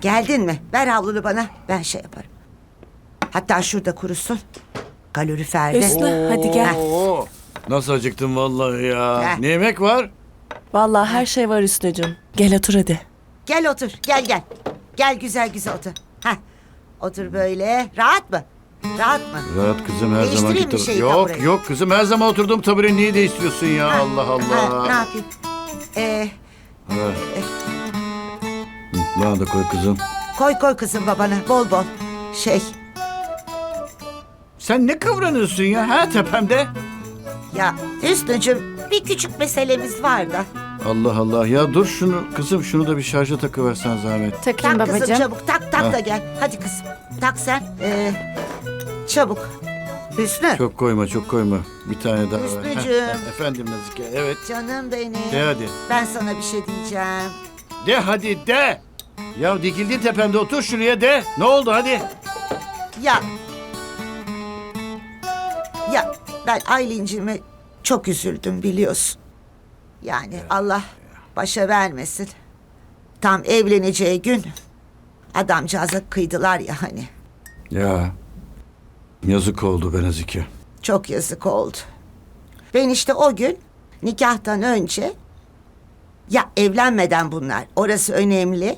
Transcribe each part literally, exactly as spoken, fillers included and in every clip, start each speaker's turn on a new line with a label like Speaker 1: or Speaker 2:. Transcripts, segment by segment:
Speaker 1: Geldin mi? Ver havlunu bana. Ben şey yaparım. Hatta şurada kurusun. Kaloriferde.
Speaker 2: Hüsnü hadi gel.
Speaker 3: Oo, nasıl acıktım vallahi ya.
Speaker 1: Heh.
Speaker 3: Ne yemek var?
Speaker 2: Vallahi her şey var Hüsnü'cüm. Gel otur hadi.
Speaker 1: Gel otur. Gel gel. Gel güzel güzel otur. Heh. Otur böyle. Rahat mı? Rahat mı?
Speaker 3: Rahat kızım her
Speaker 1: Değiştireyim
Speaker 3: zaman
Speaker 1: mi
Speaker 3: gitar.
Speaker 1: şeyi,
Speaker 3: Yok
Speaker 1: tabureyi?
Speaker 3: yok kızım her zaman oturduğum tabureyi niye değiştiriyorsun ya
Speaker 1: Ha,
Speaker 3: Allah Allah.
Speaker 1: Ha, ne yapayım? Ee,
Speaker 3: Ha. Hı, bana da koy kızım.
Speaker 1: koy koy kızım babana. Bol bol. Şey.
Speaker 3: Sen ne kıvranıyorsun ya ha tepemde?
Speaker 1: Ya Hüsnü'cüm bir küçük meselemiz var da.
Speaker 3: Allah Allah ya dur şunu kızım şunu da bir şarja takıversen zahmet.
Speaker 4: Takayım
Speaker 1: Tak kızım
Speaker 4: babacığım.
Speaker 1: çabuk. Tak tak
Speaker 3: Ha.
Speaker 1: da gel. Hadi kızım. Tak sen. Ee, çabuk. Hüsnü.
Speaker 3: Çok koyma çok koyma. Bir tane daha ver.
Speaker 1: Hüsnücüğüm.
Speaker 3: Heh, heh, Efendim Nazike evet.
Speaker 1: Canım benim.
Speaker 3: De hadi.
Speaker 1: Ben sana bir şey diyeceğim.
Speaker 3: De hadi de. Ya dikildin tepemde otur şuraya de. Ne oldu hadi.
Speaker 1: Ya. Ya ben Aylin'cime çok üzüldüm biliyorsun. Yani Allah başa vermesin. Tam evleneceği gün adamcağıza kıydılar ya hani.
Speaker 3: Ya yazık oldu be Nazike.
Speaker 1: Çok yazık oldu. Ben işte o gün nikahtan önce ya evlenmeden bunlar orası önemli.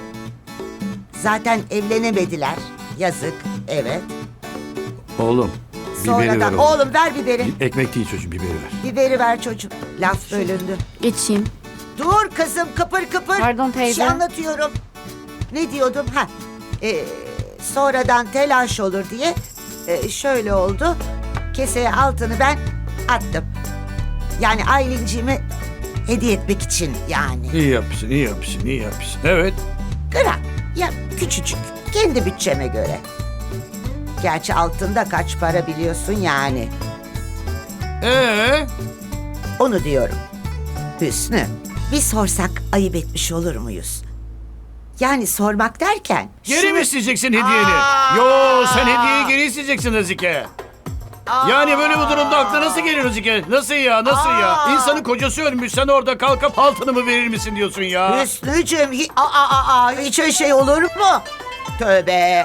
Speaker 1: Zaten evlenemediler. Yazık evet.
Speaker 3: Oğlum biberi ver
Speaker 1: Sonradan
Speaker 3: oğlum.
Speaker 1: oğlum ver biberi.
Speaker 3: Ekmek değil çocuğum biberi ver.
Speaker 1: Biberi ver çocuğum. Laf bölündü.
Speaker 4: Geçeyim.
Speaker 1: Dur kızım kıpır kıpır.
Speaker 4: Pardon
Speaker 1: Bir şey
Speaker 4: teyze.
Speaker 1: anlatıyorum. Ne diyordum? Ha. Ee, sonradan telaş olur diye e, şöyle oldu. Keseye altını ben attım. Yani Aylinciğime hediye etmek için yani.
Speaker 3: İyi yapmışsın, iyi yapmışsın, iyi yapmışsın. Evet.
Speaker 1: Gram. Ya küçücük. Kendi bütçeme göre. Gerçi altında kaç para biliyorsun yani.
Speaker 3: Ee,
Speaker 1: Onu diyorum. Hüsnü, bir sorsak ayıp etmiş olur muyuz? Yani sormak derken...
Speaker 3: geri
Speaker 1: şunu-
Speaker 3: mi isteyeceksin hediyeni?
Speaker 1: Aa!
Speaker 3: Yo, sen hediyeyi geri isteyeceksin Nazike. Yani böyle bu durumda aklına nasıl gelir Nazike? Nasıl ya, nasıl ya?
Speaker 1: Aa!
Speaker 3: İnsanın kocası ölmüş, sen orada kalkıp altını mı verir misin diyorsun ya?
Speaker 1: Hüsnücüğüm, hi- aa, aa, aa, hiç öyle şey olur mu? Tövbe.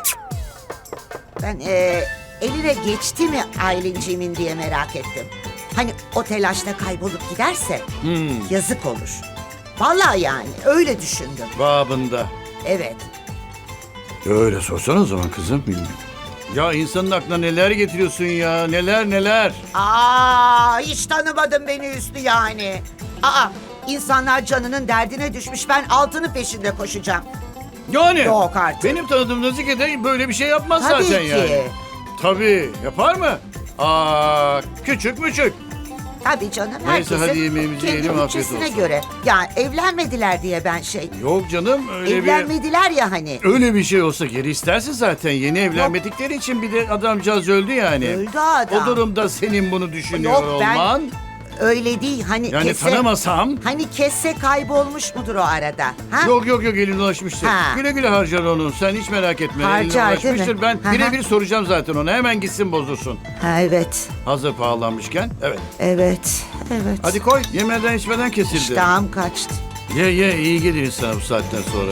Speaker 1: Ben e, eline geçti mi Aylinciğimin diye merak ettim. Hani o telaşta kaybolup giderse
Speaker 3: Hmm,
Speaker 1: yazık olur. Vallahi yani öyle düşündüm.
Speaker 3: babında.
Speaker 1: Evet.
Speaker 3: Öyle sorsana o zaman kızım. Ya insanın aklına neler getiriyorsun ya, neler neler.
Speaker 1: Aa, hiç tanımadın beni Hüsnü yani. Aa, insanlar canının derdine düşmüş. Ben altını peşinde koşacağım.
Speaker 3: Yani
Speaker 1: Yok artık.
Speaker 3: benim tanıdığım Nazike de böyle bir şey yapmaz
Speaker 1: Tabii
Speaker 3: zaten
Speaker 1: ki.
Speaker 3: yani. Tabii, yapar mı? Aa, küçük müçük.
Speaker 1: Tabii canım.
Speaker 3: Neyse,
Speaker 1: herkesin
Speaker 3: hadi yemeğimizi
Speaker 1: kendi
Speaker 3: yiyelim, afiyet
Speaker 1: bütçesine
Speaker 3: olsun.
Speaker 1: göre. Ya evlenmediler diye ben şey...
Speaker 3: Yok canım öyle bir...
Speaker 1: evlenmediler ya hani.
Speaker 3: Öyle bir şey olsa geri istersin zaten. Yeni evlenmedikleri için bir de adamcağız öldü yani.
Speaker 1: Öldü adam.
Speaker 3: O durumda senin bunu düşünüyor
Speaker 1: Yok, ben-
Speaker 3: olman.
Speaker 1: Öyle değil hani
Speaker 3: Yani
Speaker 1: kesse...
Speaker 3: tanımasam.
Speaker 1: Hani kesse kaybolmuş mudur o arada? Ha?
Speaker 3: Yok yok yok eline ulaşmıştır.
Speaker 1: Ha.
Speaker 3: Güle güle harcar onu. Sen hiç merak etme.
Speaker 1: Harcar,
Speaker 3: eline
Speaker 1: değil mi?
Speaker 3: ulaşmıştır. Ben
Speaker 1: Hı hı.
Speaker 3: birebir soracağım zaten ona. Hemen gitsin bozulsun.
Speaker 1: Ha, evet.
Speaker 3: Hazır pahalanmışken. Evet.
Speaker 1: Evet. Evet.
Speaker 3: Hadi koy. Yemeden içmeden kesildi.
Speaker 1: İştahım kaçtı.
Speaker 3: Ye ye iyi gelir insana bu saatten sonra.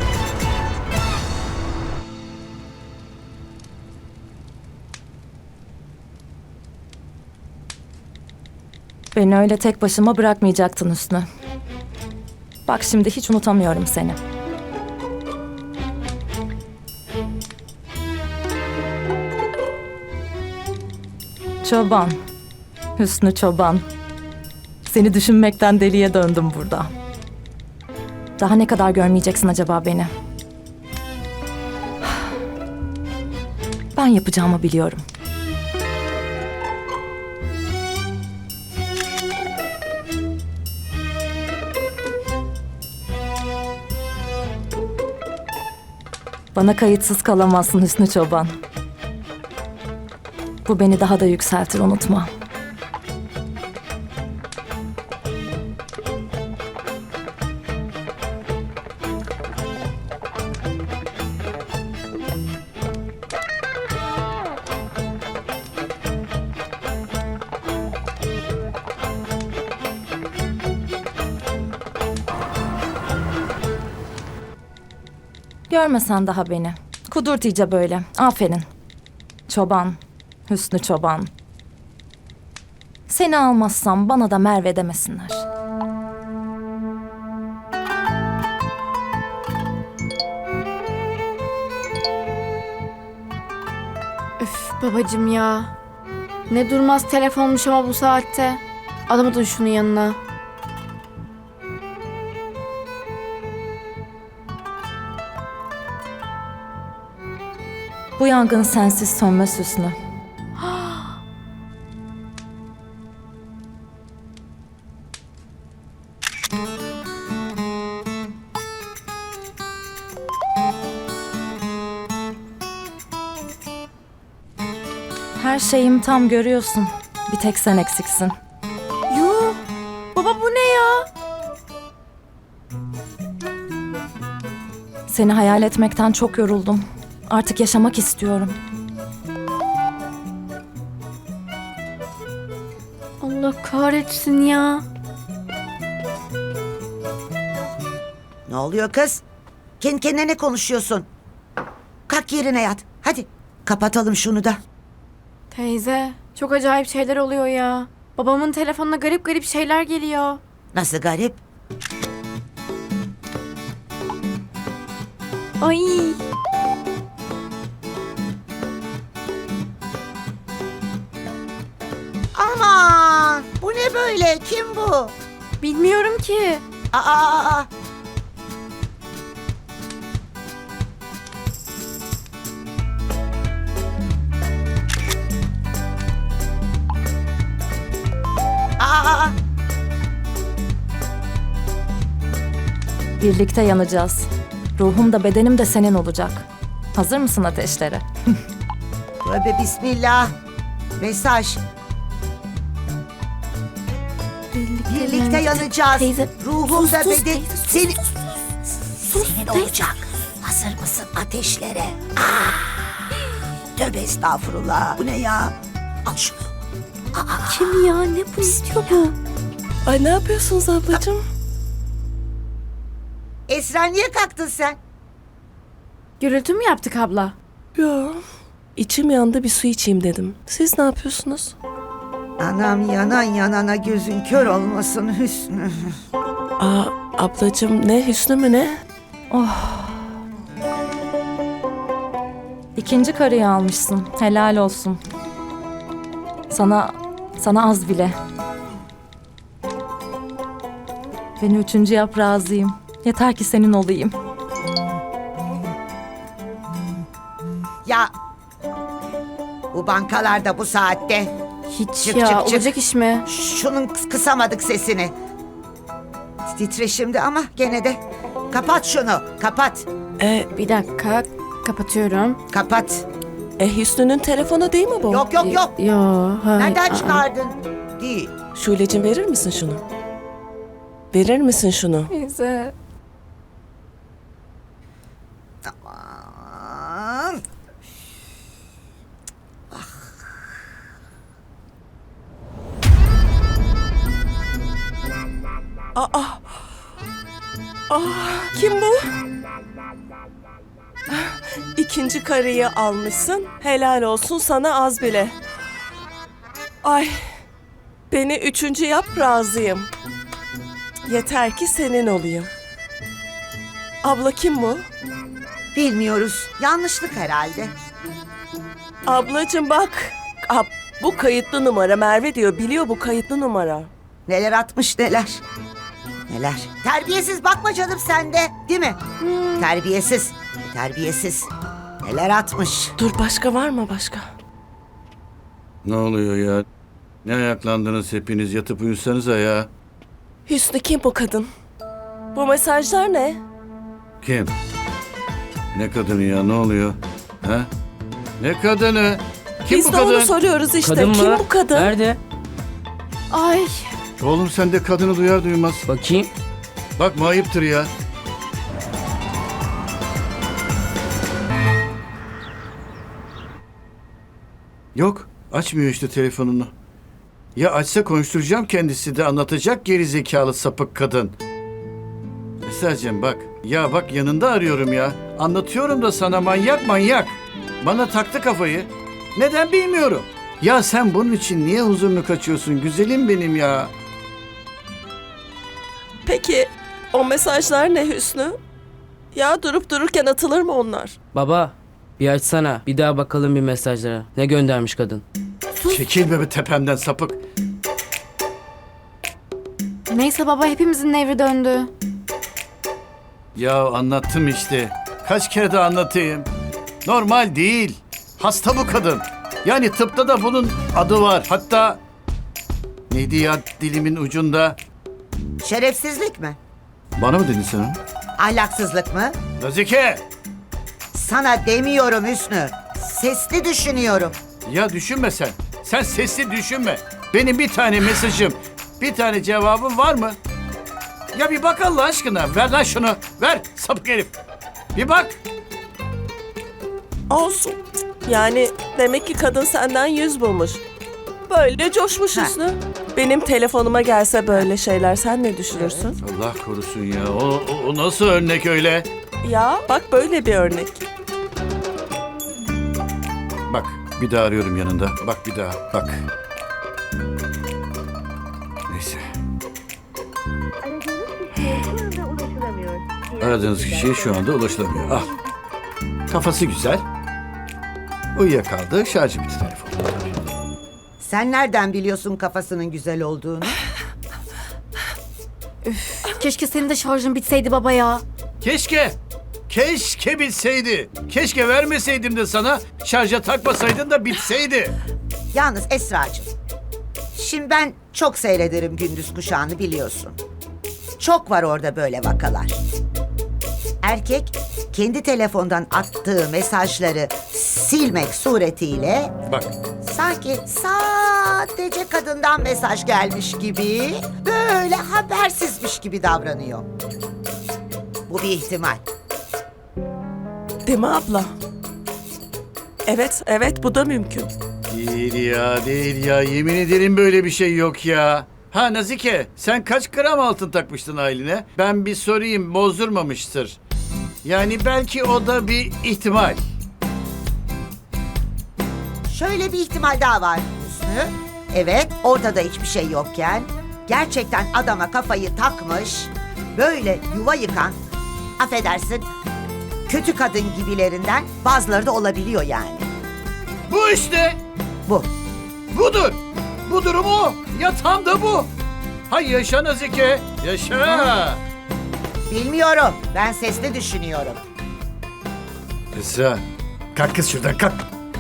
Speaker 2: Beni öyle tek başıma bırakmayacaktın Hüsnü. Bak şimdi hiç unutamıyorum seni. Çoban. Hüsnü Çoban. Seni düşünmekten deliye döndüm burada. Daha ne kadar görmeyeceksin acaba beni? Ben yapacağımı biliyorum. Bana kayıtsız kalamazsın Hüsnü Çoban. Bu beni daha da yükseltir, unutma. Görmesen daha beni. Kudurt iyice böyle. Aferin. Çoban. Hüsnü Çoban. Seni almazsam bana da Merve demesinler.
Speaker 4: Üf babacım ya. Ne durmaz telefonmuş ama bu saatte. Alamadın şunun yanına.
Speaker 2: Bu yangın sensiz sönmez Hüsnü. Her şeyim tam görüyorsun. Bir tek sen eksiksin.
Speaker 4: Yuh. Baba bu ne ya?
Speaker 2: Seni hayal etmekten çok yoruldum. Artık yaşamak istiyorum.
Speaker 4: Allah kahretsin ya.
Speaker 1: Ne oluyor kız? Kendi kendine ne konuşuyorsun? Kalk yerine yat. Hadi kapatalım şunu da.
Speaker 4: Teyze çok acayip şeyler oluyor ya. Babamın telefonuna garip garip şeyler geliyor.
Speaker 1: Nasıl garip?
Speaker 4: Ay.
Speaker 1: Aman bu ne böyle? Kim bu?
Speaker 4: Bilmiyorum ki.
Speaker 1: Aa, aa, aa. Aa,
Speaker 2: Birlikte yanacağız. Ruhum da bedenim de senin olacak. Hazır mısın ateşlere?
Speaker 1: tövbe bismillah. Mesaj. Birlikte yanacağız.
Speaker 4: Teyze.
Speaker 1: Ruhum da
Speaker 4: sus,
Speaker 1: beden
Speaker 4: teyze, sus,
Speaker 1: seni
Speaker 4: Sus
Speaker 1: senin
Speaker 4: teyze.
Speaker 1: olacak. Hazır mısın ateşlere? Aa! Tövbe estağfurullah. Bu ne ya? Al şunu.
Speaker 4: Kim ya? Ne bu istiyor bu?
Speaker 5: Ay ne yapıyorsunuz ablacığım?
Speaker 1: Esra niye kalktın sen?
Speaker 4: Gürültü mü yaptık abla?
Speaker 5: Yo. İçim yandı bir su içeyim dedim. Siz ne yapıyorsunuz?
Speaker 1: Anam yanan yanana gözün kör olmasın Hüsnü.
Speaker 5: Aa ablacığım ne Hüsnü mü ne?
Speaker 2: İkinci karıyı almışsın. Helal olsun. Sana, sana az bile. Beni üçüncü yap razıyım. Yeter ki senin olayım.
Speaker 1: Ya bu bankalarda bu saatte
Speaker 4: Hiç
Speaker 1: Çık,
Speaker 4: ya.
Speaker 1: çık, çık.
Speaker 4: Olacak iş mi?
Speaker 1: şunun kıs- kısamadık sesini. Titre şimdi ama gene de kapat şunu kapat
Speaker 5: E,
Speaker 4: Bir dakika. Kapatıyorum.
Speaker 1: kapat.
Speaker 5: e Hüsnü'nün telefonu değil mi bu?
Speaker 1: Yok yok yok.
Speaker 4: Yo. Hayır.
Speaker 1: Nereden
Speaker 4: aa.
Speaker 1: çıkardın? Değil.
Speaker 5: Şule'cim verir misin şunu? Verir misin şunu?
Speaker 4: Teyze.
Speaker 1: Aman.
Speaker 5: Kim bu? İkinci karıyı almışsın. Helal olsun sana az bile. Ay. Beni üçüncü yap razıyım. Yeter ki senin olayım. Abla kim bu?
Speaker 1: Bilmiyoruz. Yanlışlık herhalde.
Speaker 5: Ablacığım bak. Ab, bu kayıtlı numara Merve diyor. Biliyor bu kayıtlı numara.
Speaker 1: Neler atmış neler. Neler. Terbiyesiz bakma canım sen de. Değil mi? Terbiyesiz. Terbiyesiz. Neler atmış.
Speaker 5: Dur başka var mı başka?
Speaker 3: Ne oluyor ya? Ne ayaklandınız hepiniz? Yatıp uyusanıza ya.
Speaker 5: Hüsnü kim bu kadın? Bu mesajlar ne?
Speaker 3: Kim? Ne kadını ya? Ne oluyor? Ha? Ne kadını? Kim
Speaker 5: Biz
Speaker 3: bu
Speaker 5: de
Speaker 3: kadın?
Speaker 5: onu soruyoruz işte.
Speaker 6: Kadın
Speaker 5: Kim
Speaker 6: mı?
Speaker 5: bu kadın?
Speaker 6: Nerede?
Speaker 4: Ay.
Speaker 3: Oğlum sen de kadını duyar duymaz.
Speaker 6: Bakayım.
Speaker 3: Bakma ayıptır ya. Yok. Açmıyor işte telefonunu. Ya açsa konuşturacağım kendisi de anlatacak geri zekalı sapık kadın. Esra'cığım bak Ya bak yanında arıyorum ya. Anlatıyorum da sana manyak manyak. Bana taktı kafayı. Neden bilmiyorum. Ya sen bunun için niye huzurunu kaçıyorsun güzelim benim ya?
Speaker 5: Peki o mesajlar ne Hüsnü? Ya durup dururken atılır mı onlar?
Speaker 6: Baba bir açsana. Bir daha bakalım bir mesajlara. Ne göndermiş kadın?
Speaker 3: Çekilme be tepemden sapık.
Speaker 4: Neyse baba, hepimizin nevri döndü.
Speaker 3: Ya anlattım işte. Kaç kere de anlatayım. Normal değil. Hasta bu kadın. Yani tıpta da bunun adı var. Hatta neydi ya dilimin ucunda?
Speaker 1: Şerefsizlik mi?
Speaker 3: Bana mı dedin sen onu?
Speaker 1: Ahlaksızlık mı?
Speaker 3: Nazike!
Speaker 1: Sana demiyorum Hüsnü. Sesli düşünüyorum.
Speaker 3: Ya düşünme sen. Sen sesli düşünme. Benim bir tane mesajım, bir tane cevabım var mı? Ya bir bak Allah aşkına. Ver lan şunu. Ver sapık herif. Bir bak.
Speaker 5: Olsun. Yani demek ki kadın senden yüz bulmuş. Böyle coşmuş
Speaker 1: Ha.
Speaker 5: Hüsnü. Benim telefonuma gelse böyle şeyler sen ne düşünürsün?
Speaker 3: Allah korusun ya. O, o, o nasıl örnek öyle?
Speaker 5: Ya bak böyle bir örnek.
Speaker 3: Bak bir daha arıyorum yanında. Bak bir daha. Bak. Neyse. Aradığınız kişiye şu anda ulaşılamıyor. Al. Kafası güzel. Uyuyakaldı. Şarjı bitti telefon.
Speaker 1: Sen nereden biliyorsun kafasının güzel olduğunu?
Speaker 4: Keşke senin de şarjın bitseydi baba ya.
Speaker 3: Keşke. Keşke bitseydi. Keşke vermeseydim de sana. Şarja takmasaydın da bitseydi.
Speaker 1: Yalnız Esra'cığım. Şimdi ben çok seyrederim Gündüz Kuşağı'nı biliyorsun. Çok var orada böyle vakalar. Erkek kendi telefondan attığı mesajları silmek suretiyle
Speaker 3: Bak.
Speaker 1: sanki sadece kadından mesaj gelmiş gibi böyle habersizmiş gibi davranıyor. Bu bir ihtimal.
Speaker 5: Değil mi abla? Evet, evet bu da mümkün.
Speaker 3: Değil ya, değil ya. Yemin ederim böyle bir şey yok ya. Ha Nazike, sen kaç gram altın takmıştın Aylin'e? Ben bir sorayım, bozdurmamıştır. Yani belki o da bir ihtimal.
Speaker 1: Şöyle bir ihtimal daha var Hüsnü. Evet, ortada hiçbir şey yokken gerçekten adama kafayı takmış, böyle yuva yıkan, affedersin, kötü kadın gibilerinden bazıları da olabiliyor yani.
Speaker 3: Bu işte,
Speaker 1: Bu.
Speaker 3: budur. Bu durum o. Ya tam da bu. Hay yaşa Nazike, yaşa.
Speaker 1: Bilmiyorum, ben sesli düşünüyorum.
Speaker 3: Esra, kalk kız şuradan kalk.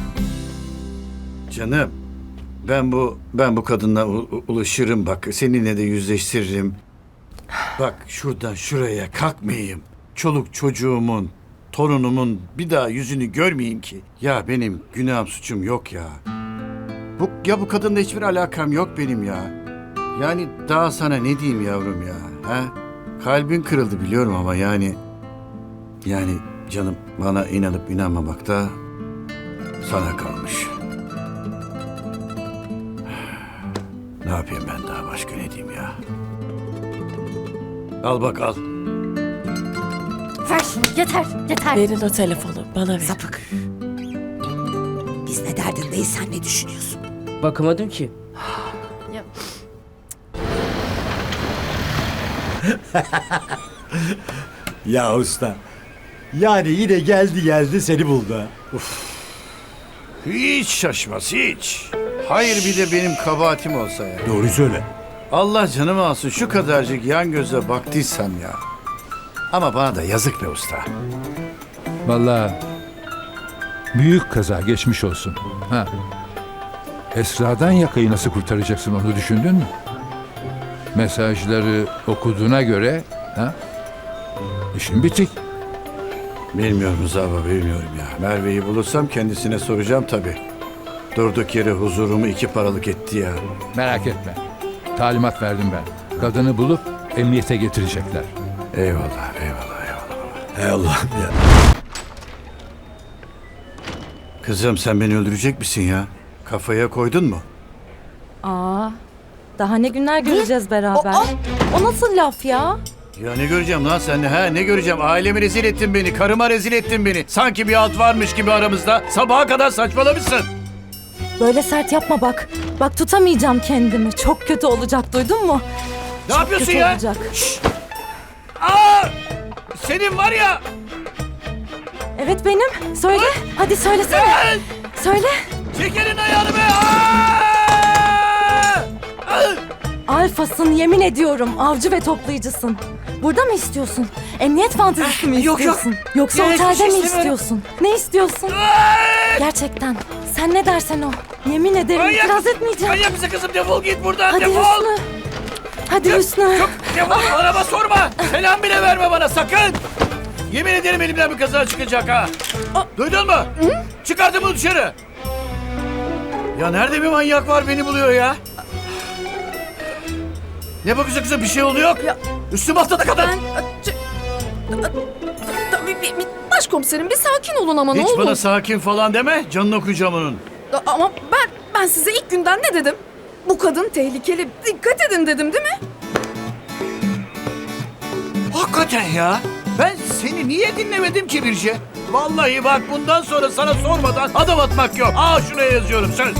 Speaker 3: Canım, ben bu ben bu kadınla u- u- ulaşırım bak. Seninle de yüzleştiririm. Bak şuradan şuraya kalkmayayım. Çoluk çocuğumun, torunumun bir daha yüzünü görmeyeyim ki. Ya benim günahım suçum yok ya. Bu ya bu kadınla hiçbir alakam yok benim ya. Yani daha sana ne diyeyim yavrum ya? Ha? Kalbin kırıldı biliyorum ama yani yani canım bana inanıp inanmamak da sana kalmış. Ne yapayım ben daha başka ne diyeyim ya? Al bak al.
Speaker 4: Ver şunu, yeter, yeter.
Speaker 5: Verin o telefonu bana ver.
Speaker 1: Sapık. Biz ne derdindeyiz, sen ne düşünüyorsun?
Speaker 6: Bakamadım ki.
Speaker 7: Ya usta. Yani yine geldi geldi seni buldu ha.
Speaker 3: Hiç şaşmaz hiç. Hayır bir de benim kabahatim olsa ya.
Speaker 7: Doğru söyle.
Speaker 3: Allah canımı alsın şu kadarcık yan göze baktıysam ya. Ama bana da yazık be usta.
Speaker 8: Vallahi büyük kaza geçmiş olsun. Ha. Esra'dan yakayı nasıl kurtaracaksın onu düşündün mü? Mesajları okuduğuna göre ha? İşin bitik.
Speaker 3: Bilmiyorum Rıza baba bilmiyorum ya. Merve'yi bulursam kendisine soracağım tabii. Durduk yere huzurumu iki paralık etti ya.
Speaker 8: Merak etme. Talimat verdim ben. Kadını bulup emniyete getirecekler.
Speaker 3: Eyvallah eyvallah eyvallah.
Speaker 7: Hey Allah'ım ya.
Speaker 3: Kızım sen beni öldürecek misin ya? Kafaya koydun mu?
Speaker 2: Aa, daha ne günler göreceğiz beraber. O, nasıl laf ya?
Speaker 3: Ya ne göreceğim lan sen? Ha ne göreceğim? Ailemi rezil ettin beni. Karıma rezil ettin beni. Sanki bir alt varmış gibi aramızda. Sabaha kadar saçmalamışsın.
Speaker 2: Böyle sert yapma bak. Bak tutamayacağım kendimi. Çok kötü olacak, duydun mu?
Speaker 3: Ne yapıyorsun
Speaker 2: kötü
Speaker 3: ya?
Speaker 2: olacak.
Speaker 3: Şşş! Aa! Senin var ya.
Speaker 2: Evet benim. Söyle. Hadi söylesene.
Speaker 3: Gel!
Speaker 2: Söyle.
Speaker 3: Çekerin ayağını be. Aa! Aa!
Speaker 2: Alfasın, yemin ediyorum. Avcı ve toplayıcısın. Burada mı istiyorsun? Emniyet fantezisi mi
Speaker 3: Yok, yok.
Speaker 2: istiyorsun? Yoksa
Speaker 3: Ya, hiçbir
Speaker 2: otelde
Speaker 3: şey
Speaker 2: mi
Speaker 3: istemiyorum.
Speaker 2: istiyorsun? Ne istiyorsun?
Speaker 3: Aa!
Speaker 2: Gerçekten. Sen ne dersen o. Yemin ederim
Speaker 3: Manyak
Speaker 2: itiraz
Speaker 3: mısın?
Speaker 2: etmeyeceğim.
Speaker 3: Manyak mısın kızım? Defol git buradan.
Speaker 2: Hadi
Speaker 3: defol.
Speaker 2: Hüsnü. Hadi Hüsnü.
Speaker 3: Çok defol. Araba sorma. Selam bile verme bana sakın. Yemin ederim elimden bir kaza çıkacak ha. Duydun mu? Çıkardım bunu dışarı. Ya nerede bir manyak var beni buluyor ya? Ne bakıyorsun kızım? Bir şey oldu yok. Üstüme atladı kadın.
Speaker 9: Tabii bir, bir başkomiserim bir sakin olun ama ne
Speaker 3: Hiç
Speaker 9: olur.
Speaker 3: bana sakin falan deme. Canını okuyacağım onun.
Speaker 9: A- Ama ben ben size ilk günden ne dedim? Bu kadın tehlikeli. Dikkat edin dedim değil mi?
Speaker 3: Hakikaten ya. Ben seni niye dinlemedim ki Birce? Vallahi bak bundan sonra sana sormadan adım atmak yok. Aa şuraya yazıyorum söz.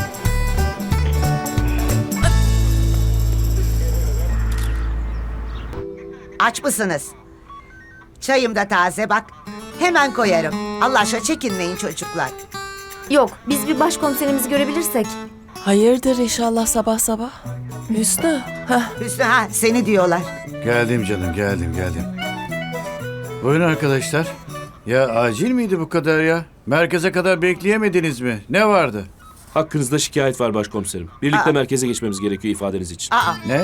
Speaker 1: Aç mısınız? Çayım da taze bak. Hemen koyarım. Allah aşkına çekinmeyin çocuklar.
Speaker 4: Yok, biz bir başkomiserimizi görebilirsek.
Speaker 5: Hayırdır inşallah sabah sabah? Hüsnü. Heh.
Speaker 1: Hüsnü ha seni diyorlar.
Speaker 3: Geldim canım geldim geldim. Buyurun arkadaşlar. Ya acil miydi bu kadar ya? Merkeze kadar bekleyemediniz mi? Ne vardı?
Speaker 10: Hakkınızda şikayet var başkomiserim. Birlikte
Speaker 1: Aa.
Speaker 10: merkeze geçmemiz gerekiyor ifadeniz için.
Speaker 1: Aa
Speaker 3: Ne?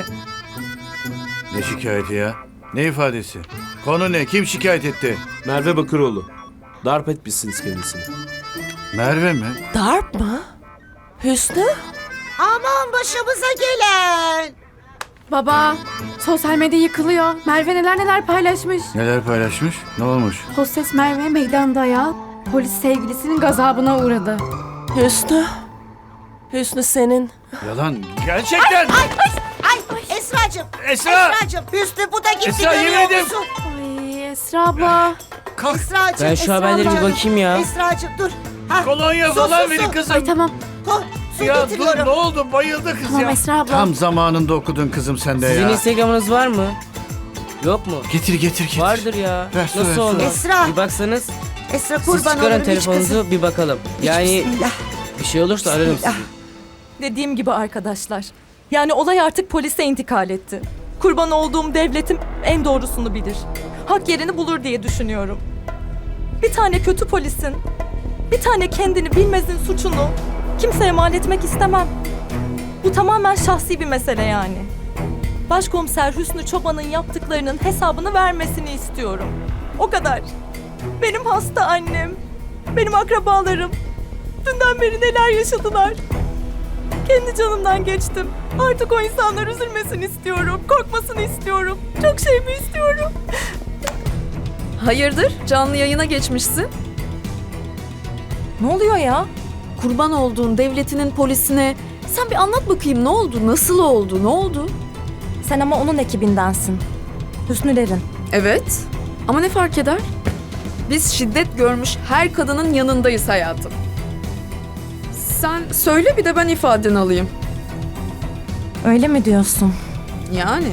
Speaker 3: Ne şikayeti ya? Ne ifadesi? Konu ne? Kim şikayet etti?
Speaker 10: Merve Bakıroğlu. Darp etmişsiniz kendisini.
Speaker 3: Merve mi?
Speaker 5: Darp mı? Hüsnü?
Speaker 1: aman başımıza gelen.
Speaker 4: Baba, sosyal medya yıkılıyor. Merve neler neler paylaşmış.
Speaker 3: Neler paylaşmış? Ne olmuş?
Speaker 4: Hostes Merve meydanda ya. Polis sevgilisinin gazabına uğradı.
Speaker 5: Hüsnü? Hüsnü senin.
Speaker 3: Yalan. Gerçekten.
Speaker 1: Ay Esra'cığım.
Speaker 3: Esra!
Speaker 1: Esra'cığım Hüsnü bu da gitti
Speaker 3: Esra, yemin
Speaker 1: görüyor
Speaker 3: ederim.
Speaker 1: musun?
Speaker 4: Ay Esra abla.
Speaker 3: Kalk.
Speaker 1: Esra'cığım.
Speaker 6: Ben şu
Speaker 1: Esra
Speaker 6: haberlere bir
Speaker 1: canım.
Speaker 6: bakayım ya.
Speaker 1: Esra'cığım dur. Ha,
Speaker 3: Kolonya
Speaker 1: su,
Speaker 3: falan
Speaker 1: su,
Speaker 3: verin
Speaker 1: su.
Speaker 3: kızım.
Speaker 4: Ay tamam.
Speaker 1: Koy, su
Speaker 3: Ya dur
Speaker 1: getiriyorum.
Speaker 3: ne oldu? Bayıldı kız
Speaker 4: Tamam
Speaker 3: ya.
Speaker 4: Esra abla.
Speaker 3: Tam zamanında okudun kızım sen de
Speaker 6: Sizin
Speaker 3: ya.
Speaker 6: Instagram'ınız var mı? Yok mu?
Speaker 3: Getir getir getir.
Speaker 6: Vardır ya.
Speaker 3: Ver, su, ver,
Speaker 6: Nasıl
Speaker 3: su.
Speaker 6: olmaz?
Speaker 1: Esra.
Speaker 6: Bir baksanız.
Speaker 1: Esra
Speaker 6: Siz
Speaker 1: kurban
Speaker 6: çıkarın
Speaker 1: olurum hiç
Speaker 6: telefonunuzu
Speaker 1: kızım.
Speaker 6: bir bakalım.
Speaker 1: Hiç
Speaker 6: Yani
Speaker 1: bismillah.
Speaker 6: bir şey olursa ararım
Speaker 1: Bismillah.
Speaker 6: sizi.
Speaker 2: Dediğim gibi arkadaşlar. Yani olay artık polise intikal etti. Kurban olduğum devletim en doğrusunu bilir. Hak yerini bulur diye düşünüyorum. Bir tane kötü polisin, bir tane kendini bilmezin suçunu kimseye mal etmek istemem. Bu tamamen şahsi bir mesele yani. Başkomiser Hüsnü Çoban'ın yaptıklarının hesabını vermesini istiyorum. O kadar. Benim hasta annem, benim akrabalarım dünden beri neler yaşadılar. Kendi canımdan geçtim. Artık o insanlar üzülmesin istiyorum. Korkmasın istiyorum. Çok şey mi istiyorum?
Speaker 9: Hayırdır? Canlı yayına geçmişsin.
Speaker 2: Ne oluyor ya?
Speaker 9: Kurban olduğun devletinin polisine. Sen bir anlat bakayım ne oldu? Nasıl oldu? Ne oldu?
Speaker 2: Sen ama onun ekibindensin. Hüsnülerin.
Speaker 9: Evet. Ama ne fark eder? Biz şiddet görmüş her kadının yanındayız hayatım. Sen söyle bir de ben ifadeni alayım.
Speaker 2: Öyle mi diyorsun?
Speaker 9: Yani.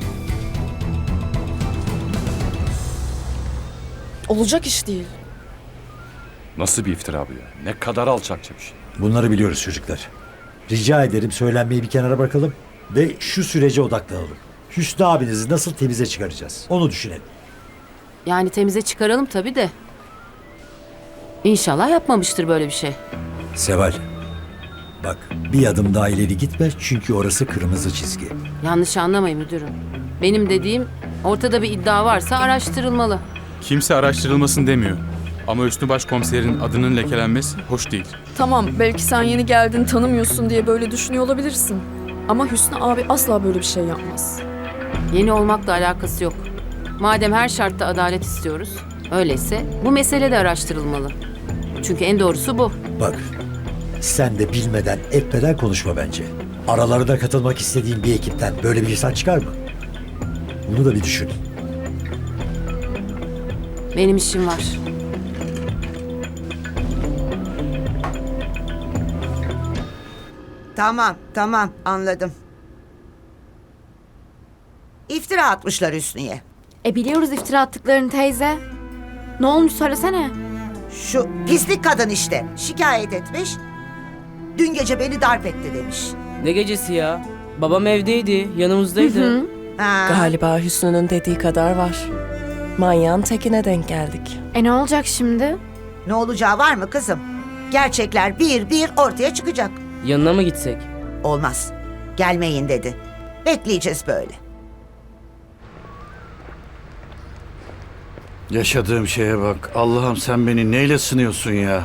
Speaker 9: Olacak iş değil.
Speaker 11: Nasıl bir iftira bu ya? Ne kadar alçakça bir şey.
Speaker 7: Bunları biliyoruz çocuklar. Rica ederim söylenmeyi bir kenara bırakalım ve şu sürece odaklanalım. Hüsnü abinizi nasıl temize çıkaracağız? Onu düşünelim.
Speaker 12: Yani temize çıkaralım tabii de. İnşallah yapmamıştır böyle bir şey.
Speaker 7: Seval, bak bir adım daha ileri gitme çünkü orası kırmızı çizgi.
Speaker 12: Yanlış anlamayın müdürüm. Benim dediğim ortada bir iddia varsa araştırılmalı.
Speaker 11: Kimse araştırılmasın demiyor. Ama Hüsnü Başkomiserin adının lekelenmesi hoş değil.
Speaker 9: Tamam belki sen yeni geldin tanımıyorsun diye böyle düşünüyor olabilirsin. Ama Hüsnü abi asla böyle bir şey yapmaz.
Speaker 12: Yeni olmakla alakası yok. Madem her şartta adalet istiyoruz, öyleyse bu mesele de araştırılmalı. Çünkü en doğrusu bu.
Speaker 7: Bak, sen de bilmeden etmeden konuşma bence. Aralarına katılmak istediğin bir ekipten böyle bir insan çıkar mı? Bunu da bir düşün.
Speaker 12: Benim işim var.
Speaker 1: Tamam, tamam anladım. İftira atmışlar Hüsnü'ye.
Speaker 4: E biliyoruz iftira attıklarını teyze. Ne olmuş söylesene.
Speaker 1: Şu pislik kadın işte şikayet etmiş. Dün gece beni darp etti demiş.
Speaker 6: Ne gecesi ya? Babam evdeydi, yanımızdaydı.
Speaker 1: Ha,
Speaker 5: Galiba Hüsnü'nün dediği kadar var. Manyağın tekine denk geldik.
Speaker 4: E ne olacak şimdi?
Speaker 1: ne olacağı var mı kızım? Gerçekler bir bir ortaya çıkacak.
Speaker 6: Yanına mı gitsek?
Speaker 1: Olmaz. Gelmeyin dedi. Bekleyeceğiz böyle.
Speaker 3: Yaşadığım şeye bak. Allah'ım sen beni neyle sınıyorsun ya?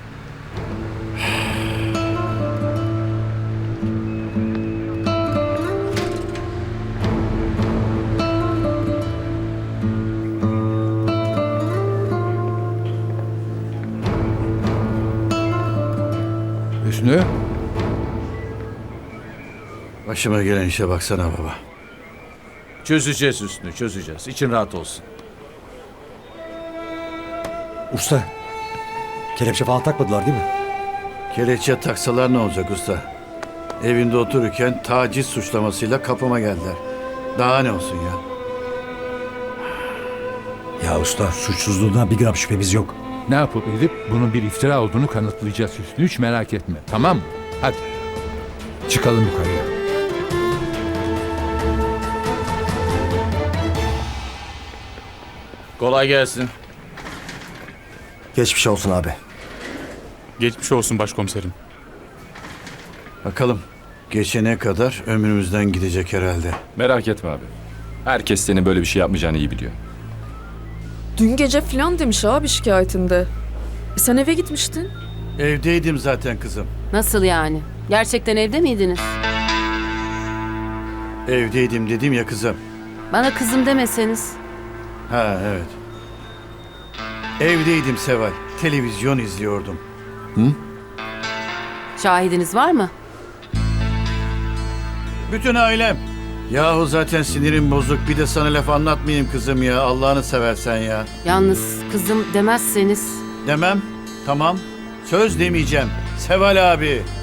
Speaker 8: Hüsnü,
Speaker 3: Başıma gelen işe baksana baba.
Speaker 13: Çözeceğiz Hüsnü, çözeceğiz. İçin rahat olsun.
Speaker 7: Usta, kelepçe falan takmadılar değil mi?
Speaker 3: Kelepçe taksalar ne olacak usta? Evinde otururken taciz suçlamasıyla kapıma geldiler. Daha ne olsun ya?
Speaker 7: Ya usta, suçsuzluğundan bir gram şüphemiz yok.
Speaker 8: ne yapıp edip bunun bir iftira olduğunu kanıtlayacağız Hüsnü. Hiç merak etme, tamam mı? Hadi, çıkalım yukarıya.
Speaker 13: Kolay gelsin.
Speaker 7: Geçmiş olsun abi.
Speaker 11: Geçmiş olsun başkomiserim.
Speaker 3: Bakalım geçene kadar ömrümüzden gidecek herhalde.
Speaker 13: Merak etme abi. Herkes senin böyle bir şey yapmayacağını iyi biliyor.
Speaker 9: Dün gece filan demiş abi şikayetinde. E sen eve gitmiştin.
Speaker 3: Evdeydim zaten kızım.
Speaker 12: Nasıl yani? Gerçekten evde miydiniz?
Speaker 3: Evdeydim dedim ya kızım.
Speaker 12: Bana kızım demeseniz.
Speaker 3: Ha evet. Evdeydim Seval. Televizyon izliyordum.
Speaker 12: Şahidiniz var mı?
Speaker 3: Bütün ailem. Yahu zaten sinirim bozuk. Bir de sana laf anlatmayayım kızım ya. Allah'ını seversen ya.
Speaker 12: Yalnız kızım demezseniz.
Speaker 3: Demem. Tamam. Söz demeyeceğim. Seval abi.